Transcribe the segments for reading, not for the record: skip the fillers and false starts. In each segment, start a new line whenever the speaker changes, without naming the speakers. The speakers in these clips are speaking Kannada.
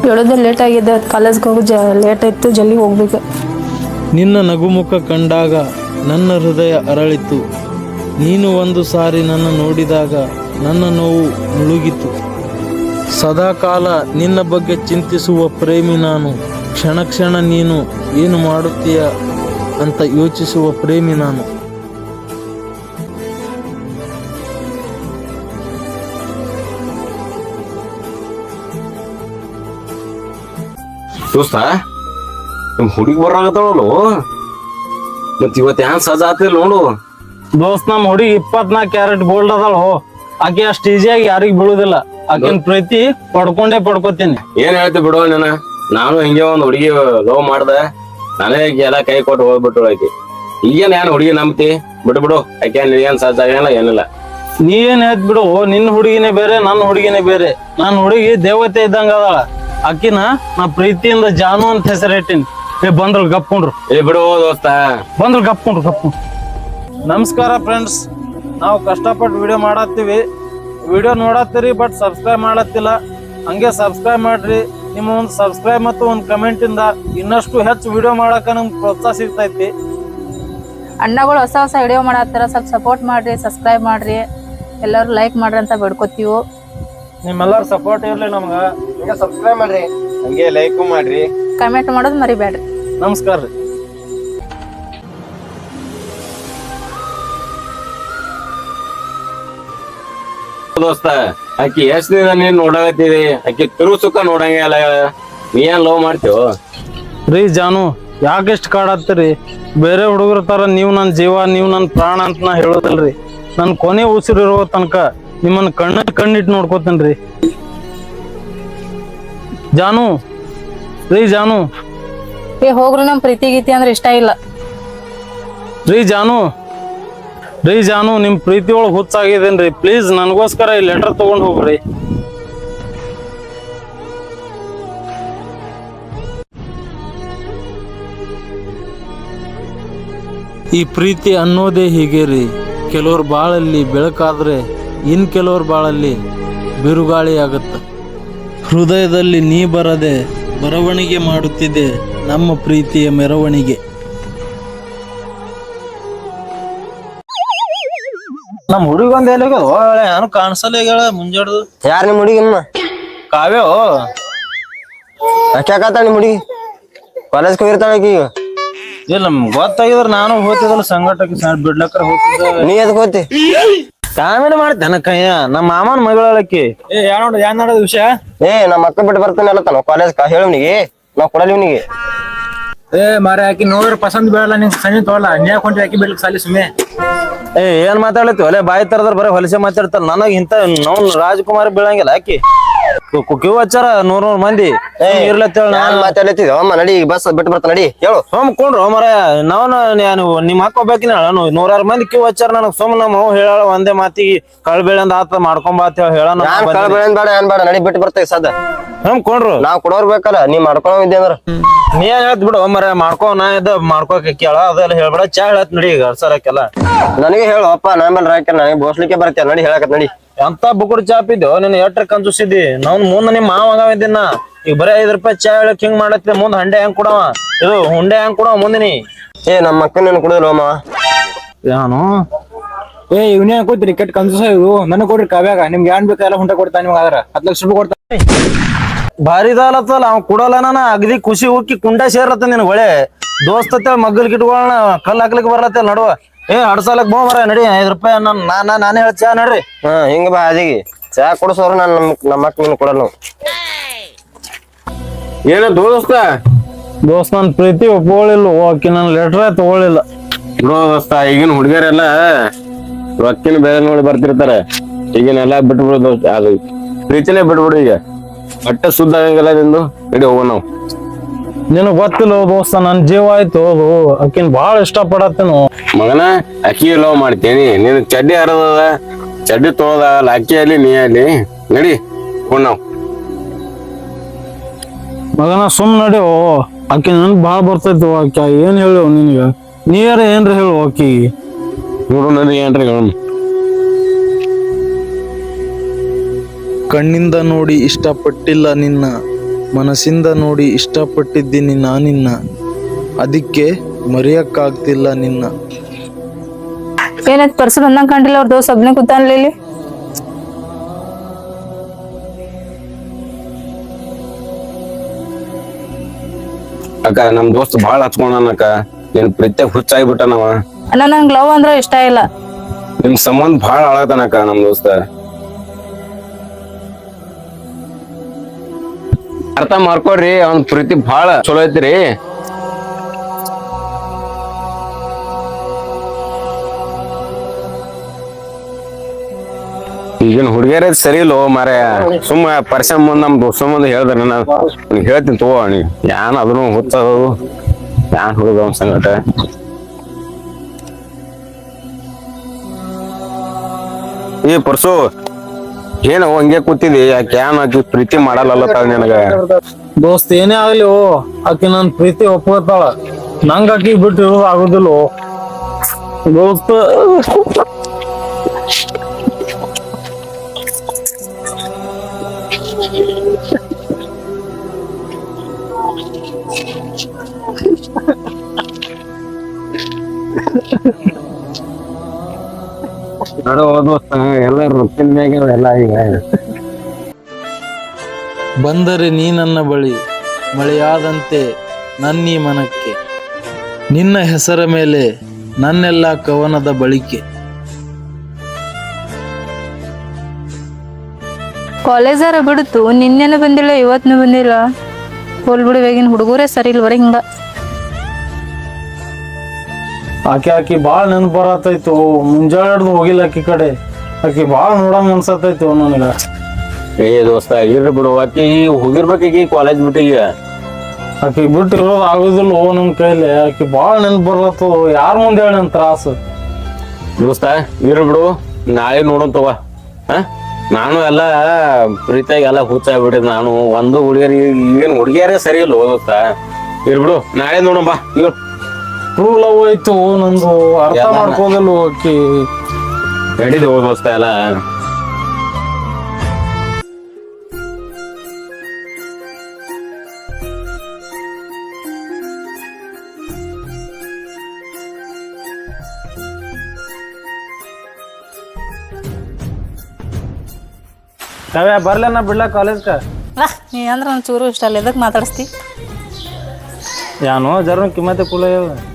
ಹೇಳೋದೇ ಲೇಟ್ ಆಗಿದೆ, ಕಾಲೇಜ್ಗೆ ಹೋಗಿ ಲೇಟ್ ಆಯಿತು, ಜಲ್ದಿ ಹೋಗ್ಬೇಕು.
ನಿನ್ನ ನಗುಮುಖ ಕಂಡಾಗ ನನ್ನ ಹೃದಯ ಅರಳಿತು. ನೀನು ಒಂದು ಸಾರಿ ನನ್ನ ನೋಡಿದಾಗ ನನ್ನ ನೋವು ಮುಳುಗಿತು. ಸದಾಕಾಲ ನಿನ್ನ ಬಗ್ಗೆ ಚಿಂತಿಸುವ ಪ್ರೇಮಿ ನಾನು. ಕ್ಷಣ ಕ್ಷಣ ನೀನು ಏನು ಮಾಡುತ್ತೀಯ ಅಂತ ಯೋಚಿಸುವ ಪ್ರೇಮಿ ನಾನು.
ದೋಸ್ತ ನಿಮ್ ಹುಡುಗಿ ಬರಾಕತ್ತಾಳು ಮತ್ ಇವತ್ ಹ್ಯಾಂಗ ಸಜಾ ಆತಿಲ್ ನೋಡು.
ದೋಸ್ತ್ ನಮ್ ಹುಡುಗಿ 24 ಕ್ಯಾರೆಟ್ ಗೋಲ್ಡ್ ಅದಳು. ಆಕೆ ಅಷ್ಟು ಈಸಿಯಾಗಿ ಯಾರಿಗ್ ಬೀಳುದಿಲ್ಲ. ಆಕೆನ್ ಪ್ರೀತಿ ಪಡ್ಕೋತೀನಿ.
ಏನ್ ಹೇಳ್ತಿ ಬಿಡು ನೀನ. ನಾನು ಹಿಂಗೆ ಒಂದ್ ಹುಡುಗಿ ಲವ್ ಮಾಡ್ದೆ, ನಾನೇ ಎಲ್ಲ ಕೈ ಕೊಟ್ಟು ಹೋಗ್ಬಿಟ್ಟು ಆಕಿ. ಈಗೇನ್ ಏನ್ ಹುಡುಗಿ ನಂಬ್ತಿ ಬಿಡು. ಆಕೆ ಏನ್ ಸಜಾ ಆಗಲ್ಲ ಏನಿಲ್ಲ.
ನೀ ಏನ್ ಹೇಳ್ತ್ ಬಿಡು, ನಿನ್ ಹುಡುಗಿನೇ ಬೇರೆ, ನನ್ನ ಹುಡುಗಿನೇ ಬೇರೆ. ನನ್ ಹುಡುಗಿ ದೇವತೆ ಇದ್ದಂಗ ಅದಳ. ಆಕಿನ ನಾ ಪ್ರೀತಿಯಿಂದ ಜಾನು ಅಂತ ಹೆಸರಿಟ್ಟಿನಿ. ಬಂದ್ರಲ್ ಗಪ್ಕೊಂಡ್ರು.
ಬಿಡು ದೋಸ್ತ,
ಬಂದ್ರು ಗಪ್ಕೊಂಡ್ರು. ನಮಸ್ಕಾರ ಫ್ರೆಂಡ್ಸ್, ನಾವು ಕಷ್ಟಪಟ್ಟು ವಿಡಿಯೋ ಮಾಡತ್ತೀವಿ. ವಿಡಿಯೋ ನೋಡತ್ತೀರಿ, ಬಟ್ ಸಬ್ಸ್ಕ್ರೈಬ್ ಮಾಡತ್ತಿಲ್ಲ. ಹಂಗೆ ಸಬ್ಸ್ಕ್ರೈಬ್ ಮಾಡ್ರಿ. ನಿಮ್ಮ ಒಂದು ಸಬ್ಸ್ಕ್ರೈಬ್ ಮತ್ತು ಒಂದು ಕಮೆಂಟ್ ಇಂದ ಇನ್ನಷ್ಟು ಹೆಚ್ಚು ವಿಡಿಯೋ ಮಾಡಕ ನಮ್ಗೆ ಪ್ರೋತ್ಸಾಹ ಸಿಗ್ತೈತಿ.
ಅಣ್ಣಗಳು ಹೊಸ ವಿಡಿಯೋ ಮಾಡತ್ತಾರ, ಸ್ವಲ್ಪ ಸಪೋರ್ಟ್ ಮಾಡ್ರಿ, ಸಬ್ಸ್ಕ್ರೈಬ್ ಮಾಡ್ರಿ, ಎಲ್ಲರೂ ಲೈಕ್ ಮಾಡ್ರಿ ಅಂತ ಬೇಡ್ಕೊತೀವಿ.
ನಿಮ್ಮೆಲ್ಲರ ಸಪೋರ್ಟ್ ಇರ್ಲಿ ನಮ್ಗ.
ಹಂಗೆ ಸಬ್ಸ್ಕ್ರೈಬ್ ಮಾಡ್ರಿ, ಹಂಗೆ ಲೈಕ್ ಮಾಡ್ರಿ,
ಕಮೆಂಟ್ ಮಾಡೋದು ಮರಿಬೇಡ್ರಿ.
ನಮಸ್ಕಾರ ರೀ.
ದೋಸ್ತ ಆಕಿ ಎಷ್ಟ್ ದಿನ ನೀನ್ ನೋಡಾಕತ್ತಿದಿ, ಆಕಿ ತಿರು ಸುಖ ನೋಡಂಗೆ ಅಲ್ಲ. ನೀ ಏನ್ ಲವ್ ಮಾಡ್ತೀವ
ರೀ ಜಾನು? ಯಾಕೆಷ್ಟು ಕಾಡತ್ತೀರಿ? ಬೇರೆ ಹುಡುಗರ ತರ ನೀವು ನನ್ನ ಜೀವ, ನೀವು ನನ್ನ ಪ್ರಾಣ ಅಂತ ನಾ ಹೇಳೋದಲ್ರಿ. ನನ್ ಕೊನೆ ಉಸಿರಿರೋ ತನಕ ನಿಮ್ಮನ್ನ ಕಣ್ಣಿಟ್ಟು ನೋಡ್ಕೋತೇನ್ರಿ. ಜಾನು ರೀ, ಜಾನು
ಹೋಗ್ರಿ, ನಮ್ ಪ್ರೀತಿ ಗೀತಿ ಅಂದ್ರೆ ಇಷ್ಟ ಇಲ್ಲ.
ರೀ ಜಾನು, ನಿಮ್ ಪ್ರೀತಿ ಒಳಗ್ ಹುಚ್ಚಾಗಿದ್ದೇನ್ರಿ. ಪ್ಲೀಸ್ ನನಗೋಸ್ಕರ ಈ ಲೆಟರ್ ತಗೊಂಡ್ ಹೋಗ್ರಿ. ಈ ಪ್ರೀತಿ ಅನ್ನೋದೇ ಹೀಗೆ ರೀ. ಕೆಲವ್ರ ಬಾಳಲ್ಲಿ ಬೆಳಕಾದ್ರೆ ಇನ್ ಕೆಲವ್ರ ಬಾಳಲ್ಲಿ ಬಿರುಗಾಳಿ ಆಗತ್ತ. ಹೃದಯದಲ್ಲಿ ನೀ ಬರದೆ ಬರವಣಿಗೆ ಮಾಡುತ್ತಿದೆ ನಮ್ಮ ಪ್ರೀತಿಯ ಮೆರವಣಿಗೆ. ನಮ್ ಹುಡುಗೊಂದ್ ಎಲ್ಲಿಗೆ ನಾನು ಕಾಣಿಸಲ್ಲ ಈಗ ಮುಂಜಾಡ್ದು.
ಯಾರ ನಿಮ್ ಹುಡುಗಿ?
ಕಾವ್ಯ
ಯಾಕಾತ ನಿಮ್ ಹುಡುಗಿ ಕಾಲೇಜ್ ಹೋಗಿರ್ತಾಳ ಈಗ.
ಇಲ್ಲ ನಮ್ಗೆ ಗೊತ್ತಾಗಿದ್ರ ನಾನು ಹೋಗ್ತಿದ್ದಲ್ಲ ಸಂಘಟಕ್ಕೆ ಬಿಡ್ಲಕ್ರ ಹೋಗ್ತಿದ್ದ.
ನೀ ಎದಕ್ ಹೋತಿ?
ಕಾಮಿಡಿ ಮಾಡ್ತೇನ ಕಯ್ಯ, ನಮ್ಮ ಮಾಮನ ಮಗಳಕ್ಕೆ.
ಏನ್ ನೋಡೋದ್ ವಿಷಯ? ನಮ್ಮ ಅಕ್ಕ ಬಿಟ್ಟು ಬರ್ತಾನೆ ಅಲ್ಲತ್ತಾನ ಕಾಲೇಜ್. ಹೇಳವ್ನಿಗೆ ನಾವ್ ಕೊಡಲ್ಲ ಇವ್ನಿಗೆ.
ಮಾರ ಆಕಿ ನೋಡ್ರ ಪಸಂದ್ ಬೀಳಲ್ಲ, ನಿಂಗೆ ಸಂಜೆ ತೋಲ್ಲ ನ್ಯಾಯ ಕೊಂಡ್ರಿ ಆಕಿ ಬಿಡ್ಲಿಕ್ ಸಾಲಿ ಸುಮ್ಮನೆ.
ಏನ್ ಮಾತಾಡ್ಲತ್ತಿ ಒಲೆ ಬಾಯಿ ತರದ್ರ ಬರೀ ಹೊಲಸೆ ಮಾತಾಡ್ತಾರ. ನನಗ್ ಇಂತ ನಾವು ರಾಜಕುಮಾರ್ ಬೀಳಂಗಿಲ್ಲ. ಆಕಿ ಕ್ಯೂ ಹಚ್ಚಾರ 100 ಮಂದಿ ಇರ್ಲತ್ತೇಳ.
ನಾನ್ ಮಾತಾಡ್ಲತ್ತಿದ್ದೆ ಅಮ್ಮ, ನಡಿ ಬಸ್ ಬಿಟ್ಟು ಬರ್ತಾನ, ನಡಿ ಹೇಳು.
ಕೊಂಡ್ರು ಮರ ನಾನು ನಿಮ್ಮ ಅಕ್ಕ ಹೋಗ್ಬೇಕಿನ 100 ಮಂದಿ ಕ್ಯೂ ಹಚ್ಚಾರ. ನನಗ್ ಸುಮ್ ನಮ್ಮ ಹೇಳ ಒಂದೇ ಮಾತಿಗೆ ಕಳ್ಬೇಳಂದ ಆತ ಮಾಡ್ಕೊಂಬಾತ ಹೇಳ.
ನಾನ್ ಕಳ್ಬೇಡ ಬೇಡ ಏನ್ ಬೇಡ, ನಡಿ ಬಿಟ್ಟು ಬರ್ತೇವೆ ಸದ.
ಕೊಂಡ್ರು
ನಾವ್ ಕೊಡೋರ್ ಬೇಕಲ್ಲ, ನೀ ಮಾಡ್ಕೊಳವಿದ್ದೆ ಅಂದ್ರ
ನೀ ಏನ್ ಹೇಳ್ತ ಬಿಡು ಮರ. ಮಾಡ್ಕೋ, ನಾ ಇದ್ದ ಮಾಡ್ಕೋಕ ಕೇಳ ಅದೆಲ್ಲ ಹೇಳ್ಬೇಡ. ಚಾ ಹೇಳತ್ ನಡಿ ಈಗ ಅರ್ಸರಕ್ಕೆಲ್ಲ.
ನನಗೆ ಹೇಳು ಅಪ್ಪ, ನಾನ್ ಮೇಲೆ ರಾಕ ನನಗೆ ಬೋಸ್ಲಿಕ್ಕೆ ಬರ್ತೇನೆ, ನಡಿ ಹೇಳಕತ್ ನಡಿ.
ಎಂತ ಬುಕ್ಕುಡ್ ಚಾಪಿದ್ದು ನಿನ್ನ ಎಟ್ರ ಕಂಜೂಸಿದ್ದಿ. ನಾವ್ ಮುಂದ್ ನಿಮ್ ಮಾವಾಗಿದ್ದೀನ ಈಗ ಬರೀ 5 ರೂಪಾಯಿ ಚಾ ಹೇಳಕ್ ಹಿಂಗ್ ಮಾಡತ್ತೆ. ಮುಂದ್ ಹಂಡೆ ಹೆಂಗ್ ಕೊಡವ, ಇದು ಹುಂಡೆ ಹೆಂಗ್ ಕೊಡವ ಮುಂದಿನಿ.
ನಮ್ಮ ಅಕ್ಕ ನೀನು ಕುಡಿದ್ರು ಅಮ್ಮ.
ಯಾನು
ಇವ್ನೇ ಹಾಕೋದ್ರಿ ಕೆಟ್ಟ ಕನ್ಸೂಸ ಇವು. ನನಗ್ ಕೊಡ್ರಿ ಕಾವ್ಯಾಗ, ನಿಮ್ಗೆ ಏನ್ ಬೇಕಾ ಹುಂಟ ಕೊಡ್ತಾನೆ. ನಿಮ್ಗೆ ಆದ್ರ 10 ಲಕ್ಷ ರೂಪಾಯಿ ಕೊಡ್ತಾನೆ.
ಭಾರಿ ದಾಲತ್ತಲ್ಲ ಅವ್ ಕೊಡಲ್ಲ. ನಾನ ಅಗದಿ ಖುಷಿ ಹೋಗಿ ಕುಂಡ ಸೇರತ್ತ ನಿನ್ ಒಳ್ಳೆ ದೋಸ್ತ ಮಗ್ಗಲ್ ಗಿಟ್ಗಳನ್ನ ಕಲ್ ಹಾಕ್ಲಿಕ್ಕೆ ಬರ್ಲತ್ತ ನಡುವ. ಹಡ್ಸಾಲಕ್ ಬೋ ಮರ ನಡಿ 5 ರೂಪಾಯಿ ನಾನೇ ಹೇಳ ಚಾ ನಡ್ರಿ.
ಹಿಂಗ ಬಾ ಅದಿಗೆ ಚಾ ಕೊಡ್ಸೋರು. ನಾನ್ ನಮ್ಮ ಅಕ್ಕ ನೀನು ಕೊಡಲ್ಲ.
ಏನ
ದೋಸ್ತ ನನ್ ಪ್ರೀತಿ ಒಪ್ಕೊಳ್ಳಿಲ್ಲ. ಆಕಿ ನನ್ ಲೆಟರ್ ತಗೊಳ್ಳಿಲ್ಲ.
ದೋಸ್ತ ಈಗಿನ ಹುಡುಗಿಯರೆಲ್ಲ ರೊಕ್ಕಿನ ಬೆಲೆ ನೋಡಿ ಬರ್ತಿರ್ತಾರೆ. ಈಗಿನೆಲ್ಲ ಬಿಟ್ಬಿಡು ದೋಸ್ತ, ಅದು ಪ್ರೀತಿನೇ ಬಿಟ್ಬಿಡು. ಈಗ ಬಟ್ಟೆ ಸುದ್ದ ಆಗಂಗಿಲ್ಲ ನಿಂದು. ನಡಿ ಹೋಗೋಣ ನಾವು.
ನಿನಗ್ ಗೊತ್ತಿಲ್ಲ ದೋಸ್ತ, ನನ್ ಜೀವ ಆಯ್ತು ಅದು. ಆಕಿನ್ ಬಾಳ ಇಷ್ಟ ಪಡತ್ತೇನು
ಮಗನ. ಅಕ್ಕಿ ಲವ್ ಮಾಡ್ತೇನಿ, ನಿನ್ ಚಡ್ಡಿ ಹರದ ಚಡ್ಡಿ ತೊಳದಾಗಲ್ಲ. ಅಕ್ಕಿ ಅಲ್ಲಿ ನೀ ಅಲ್ಲಿ ನಡಿ ಹೋಗೋಣ ನಾವು.
ಮಗನ ಸುಮ್ ನಡಿ. ಆಕಿ ನನ್ ಬಾಳ ಬರ್ತೈತಿ. ಆಕಿ ಏನ್ ಹೇಳು ನಿನ್ಗ? ನೀರ ಏನ್ರ ಹೇಳು ಆಕಿ.
ನೋಡು ನನಗೆ ಏನ್ರಿ ಹೇಳ.
ಕಣ್ಣಿಂದ ನೋಡಿ ಇಷ್ಟಪಟ್ಟಿಲ್ಲ ನಿನ್ನ, ಮನಸ್ಸಿಂದ ನೋಡಿ ಇಷ್ಟಪಟ್ಟಿದ್ದೀನಿ ನಾನಿನ್ನ, ಅದಕ್ಕೆ ಮರೆಯಕ್ಕಾಗ್ತಿಲ್ಲ ನಿನ್ನ.
ಏನಾಯ್ತು ಪರ್ಸು ಬಂದಂಗ ಕಂಡಿಲ್ಲ ಅವ್ರ ದೋಸ್ತ್ ಒಬ್ನೇ ಕೂತಾನ್ಲಿ ಇಲ್ಲಿ.
ಅಕ್ಕ ನಮ್ ದೋಸ್ತ್ ಬಾಳ ಹಚ್ಕೊಂಡನಕ್ಕ, ನಿನ್ ಪ್ರೀತ್ಯಾಗ ಹುಚ್ಚಾಗ್ಬಿಟ್ಟನವ.
ಅಣ್ಣ ನಂಗ್ ಲವ್ ಅಂದ್ರ ಇಷ್ಟ ಇಲ್ಲ.
ನಿಮ್ ಸಂಬಂಧ ಬಾಳ ಹಾಳಾತನಕ್ಕ ನಮ್ ದೋಸ್ತ. ಅರ್ಥ ಮಾಡ್ಕೊಡ್ರಿ, ಅವ್ನ ಪ್ರೀತಿ ಬಾಳ ಚಲೋ ಐತ್ರಿ. ಈಗಿನ ಹುಡುಗಿಯರ ಸರಿ ಇಲ್ಲೋ ಮಾರಾಯ. ಸುಮ್ಮ ಪರಿಶ್ರಮ ಮುಂದ್ ನಮ್ ದೋಸ್ತ ಮುಂದೆ ಹೇಳ್ದಾರ ನಾನು ಹೇಳ್ತೀನಿ ತಗೋ. ನೀ ಯಾನ್ ಅದನ್ನು ಹುಚ್ಚದು ಯಾನ್ ಹುಡುಗ ಅವನ್ ಸಂಗಟ. ಈ ಪರ್ಸು ಏನು ಹಂಗೆ ಕೂತಿದಿ, ಯಾಕೆ ಯಾನ್ ಆಕಿ ಪ್ರೀತಿ ಮಾಡಲ್ಲ ನಿನಗ?
ದೋಸ್ತ್ ಏನೇ ಆಗ್ಲಿ ಆಕಿ ನನ್ ಪ್ರೀತಿ ಒಪ್ಕೋತಾಳ, ನಂಗ ಆಕಿ ಬಿಟ್ಟು ಆಗುದಿಲ್ಲ ದೋಸ್ತ. ಬಂದರೆ ನೀ ನನ್ನ ಬಳಿ ಮಳೆಯಾದಂತೆ ನನ್ನೀ ಮನಕ್ಕೆ, ನಿನ್ನ ಹೆಸರ ಮೇಲೆ ನನ್ನೆಲ್ಲ ಕವನದ ಬಳಿಕೆ.
ಕಾಲೇಜಾರ ಬಿಡ್ತು ನಿನ್ನೆನ ಬಂದಿಲ್ಲ, ಇವತ್ನು ಬಂದಿಲ್ಲ. ಹೋಲ್ ಬಿಡು, ಇವಾಗಿನ ಹುಡುಗರೇ ಸರಿ ಇಲ್ವರ ಹಿಂಗ.
ಆಕಿ ಬಾಳ ನೆನಪು ಬರತೈತು, ಮುಂಜಾನೆ ಹಿಡ್ದು ಹೋಗಿಲ್ಲ ಆಕಿ ಕಡೆ. ಆಕಿ ಬಾಳ ನೋಡಂಗ ಅನ್ಸತೈತು ನನಗ.
ಏ ದೋಸ್ತ ಇರ್ರಿ ಬಿಡು, ಆಕಿ ಹೋಗಿರ್ಬೇಕೀಗ ಕಾಲೇಜ್ ಬಿಟ್ಟಿಗ.
ಆಕಿ ಬಿಟ್ಟು ಇರೋದು ಆಗುದಿಲ್ಲ ನಮ್ ಕೈಲಿ. ಆಕಿ ಬಾಳ ನೆನಪು ಬರತ್ತು, ಯಾರ ಮುಂದೆ ಹೇಳಿ ನನ್ ತ್ರಾಸ.
ದೋಸ್ತ ಇರ್ರಿ ಬಿಡು, ನಾಳೆ ನೋಡೋನ್ ತಗೋ. ನಾನು ಎಲ್ಲಾ ಪ್ರೀತಿಯಾಗ ಎಲ್ಲಾ ಹುಚ್ಚಾಗ್ಬಿಟ್ಟಿದ್. ನಾನು ಒಂದು ಹುಡುಗಿಯರ್ ಈಗೇನ್ ಹುಡುಗಿಯರೇ ಸರಿ ಇಲ್ಲ ದೋಸ್ತ. ಇರ್ಬಿಡು, ನಾಳೆ ನೋಡೋಣ ಬಾ.
ಟ್ರೂ ಲವ್ ಐತು ನಂದು, ಅರ್ಥ ಮಾಡ್ಕೋದಿಲ್ಲ ಆಕಿ.
ನಡೀದು ದೋಸ್ತ ಎಲ್ಲ.
ಕವ್ಯ ಬರ್ಲೇನ ಬಿಡ್ಲಾ ಕಾಲೇಜ್ಕ?
ನೀ ಅಂದ್ರ ನನ್ ಚೂರು ಇಷ್ಟ ಅಲ್ಲ, ಎದಕ್ ಮಾತಾಡಿಸ್ತಿ?
ಯಾನೋ ಜರ ಕಿಮ್ಮತ್ತೆ ಕುಲ.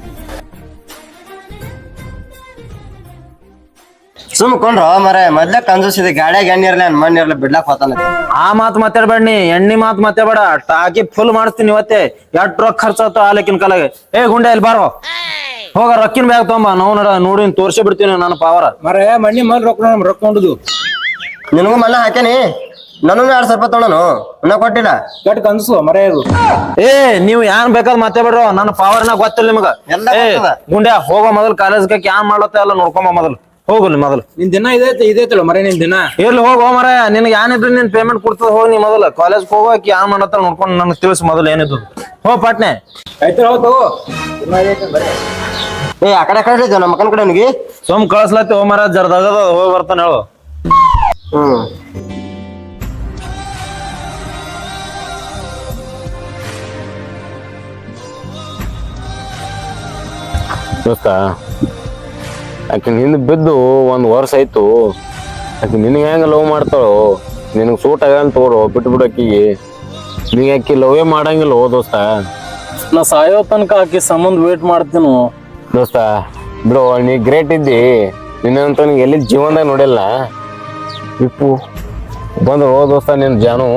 ಸುಮ್ಕೊಂಡ್ರ ಮರ ಮೊದ್ಲ ಕಂಜೂಸಿದೆ, ಗಾಡ್ಯಾಗ ಎಣ್ಣೆ ಇರ್ಲಿ ಮಣ್ಣು ಇರ್ಲಿ ಬಿಡ್ಲಾಕ್ ಹೋತಾನ.
ಆ ಮಾತ್ ಮಾತಾಡ್ಬೇಡಿ, ಎಣ್ಣಿ ಮಾತ್ ಮಾತಾಡ್ಬೇಡ. ಟಾಕಿ ಫುಲ್ ಮಾಡಿಸ್ತೀನಿ ಇವತ್ತೇ. ಎಷ್ಟ್ ರೊಕ್ಕ ಖರ್ಚಾತ ಆಲಕಿನ ಕಾಲಾಗ. ಏ ಗುಂಡೆ ಇಲ್ಲಿ ಬಾರೋ, ಹೋಗ ರೊಕ್ಕಿನ ಬ್ಯಾಗ್ ತಗೊಂಬ. ನಾವು ನೋಡಿ ತೋರ್ಸೇ ಬಿಡ್ತೀನಿ ನನ್ನ ಪಾವರ. ಮರ ಮಣ್ಣಿ ಮಲ್ ರೊಕ್ಕ ಹೊಂಡುದು.
ನಿನಗೂ ಮಲ್ಲ ಹಾಕ್ಯಾನಿ, ನನಗೂ 2,000 ರೂಪಾಯಿ ತೊಗೊಳನು, ಇನ್ನ ಕೊಟ್ಟಿಲ್ಲ.
ಕೆಟ್ಟ ಕನ್ಸು ಮರ ಇದು. ಏ ನೀವು ಯಾನ್ ಬೇಕಾದ್ ಮಾತಾಡ್ಬೇಡ್ರು, ನನ್ನ ಪಾವರ್ನ ಗೊತ್ತಿಲ್ಲ ನಿಮಗ.
ಎಲ್ಲ
ಏ
ಗೊತ್ತದ.
ಗುಂಡ್ಯಾ ಹೋಗೋ ಮೊದಲು ಕಾಲೇಜ್ಗೆ ಯಾನ್ ಮಾಡ್ಲತ್ತ ಎಲ್ಲ ನೋಡ್ಕೊಂಬ ಮೊದಲು. ಹೋಗಲಿ ಮೊದಲು. ನಿನ್ ದಿನ ಇದೈತಲ್ಲ ಮರ, ನಿನ್ ದಿನ ಇರ್ಲಿ ಹೋಗೋ ಮರ. ನಿನ್ಗೆ ಏನಿದ್ರು ನಿನ್ ಪೇಮೆಂಟ್ ಕೊಡ್ತದ, ಹೋಗಿ ನೀ ಮೊದಲು ಕಾಲೇಜ್ ಹೋಗೋಕೆ ಯಾನ್ ಮಾಡತ್ತ ನೋಡ್ಕೊಂಡು ನನಗೆ ತಿಳಿಸ್ ಮೊದಲು ಏನಿದ್ದು. ಹೋ ಪಾಟ್ನೆ ಆಯ್ತು ಹೋಗು.
ಏ ಆ ಕಡೆ ನಮ್ಮ ಮಕ್ಕನ ಕಡೆ ಅವನಿಗೆ
ಸೋಮ್ ಕಳ್ಸ್ಲತ್ತಿ. ಹೋ ಮರ ಜರ್ದಾಗ ಹೋಗಿ ಬರ್ತಾನೆ ಹೇಳು.
ದೋಸ್ತ ಆಕಿ ಹಿಂದ್ ಬಿದ್ದು 1 ವರ್ಷ ಆಯ್ತು. ಆಕಿ ನಿನಗೆ ಹೆಂಗ ಲವ್ ಮಾಡ್ತಾಳೋ, ನಿನಗ್ ಸೂಟ್ ಆಗಂತ ತಗೋರು ಬಿಟ್ಟು ಬಿಡು ಆಕಿಗೆ. ನೀ ಆಕಿ ಲವೇ ಮಾಡಂಗಿಲ್ಲ ದೋಸ್ತ.
ನಾ ಸಾಯೋ ತನಕ ಆಕಿ ಸಂಬಂಧ ವೇಟ್ ಮಾಡ್ತೀನು
ದೋಸ್ತ. ಬಿಡು, ನೀ ಗ್ರೇಟ್ ಇದ್ದಿ. ನಿನ್ನಂತ ಎಲ್ಲಿ ಜೀವನದಾಗ ನೋಡಿಲ್ಲ. ಇಪ್ಪು ಬಂದ್ರು ದೋಸ್ತ ನಿನ್ ಜಾನು.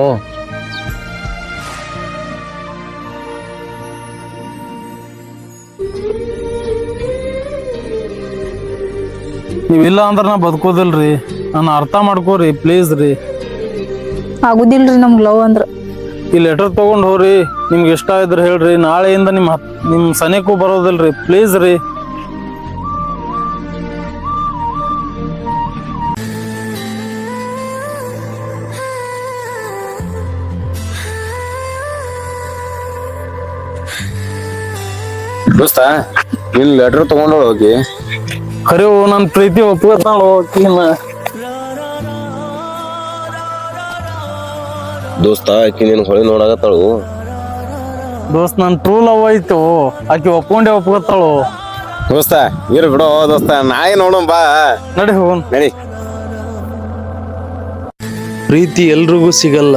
ನೀವಿಲ್ಲ ಅಂದ್ರ ನಾ ಬದುಕೋದಿಲ್ರಿ. ನಾನು ಅರ್ಥ ಮಾಡ್ಕೋರಿ ಪ್ಲೀಸ್ ರೀ.
ಆಗುದಿಲ್ರಿ ನಮ್ಗ್ ಲವ್ ಅಂದ್ರ.
ಈ ಲೆಟರ್ ತಗೊಂಡ್ ಹೋಗ್ರಿ, ನಿಮ್ಗೆ ಇಷ್ಟ ಇದ್ರೆ ಹೇಳ್ರಿ. ನಾಳೆಯಿಂದ ನಿಮ್ ಸನಿಕೂ ಬರೋದಿಲ್ರಿ ಪ್ಲೀಸ್ ರೀ.
ದೋಸ್ತ ನಿನ್ ಲೆಟರ್ ತಗೊಂಡು ಹೋಗಿ.
ಖರೆ ನನ್ ಪ್ರೀತಿ ಒಪ್ಕೋತಾಳು ಆಕಿನ.
ದೋಸ್ತ ಆಕಿ ನೀನ್ ಹೊಳಿ ನೋಡಾಕತ್ತಾಳು.
ದೋಸ್ತ್ ನನ್ ಟ್ರೂ ಲವ್ ಆಯ್ತು, ಆಕಿ ಒಪ್ಕೊಂಡೆ ಒಪ್ಕೋತಾಳು.
ದೋಸ್ತ ಇರ್ ಬಿಡೋ ದೋಸ್ತ, ನಾಯಿ ನೋಡೋಣ ಬಾ.
ನಡಿ ಹೋಗೋಣ.
ನಡಿ.
ಪ್ರೀತಿ ಎಲ್ರಿಗೂ ಸಿಗಲ್ಲ,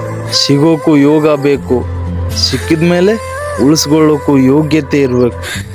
ಸಿಗೋಕು ಯೋಗ ಬೇಕು, ಸಿಕ್ಕಿದ್ಮೇಲೆ ಉಳಿಸ್ಕೊಳ್ಳೋಕು ಯೋಗ್ಯತೆ ಇರ್ಬೇಕು.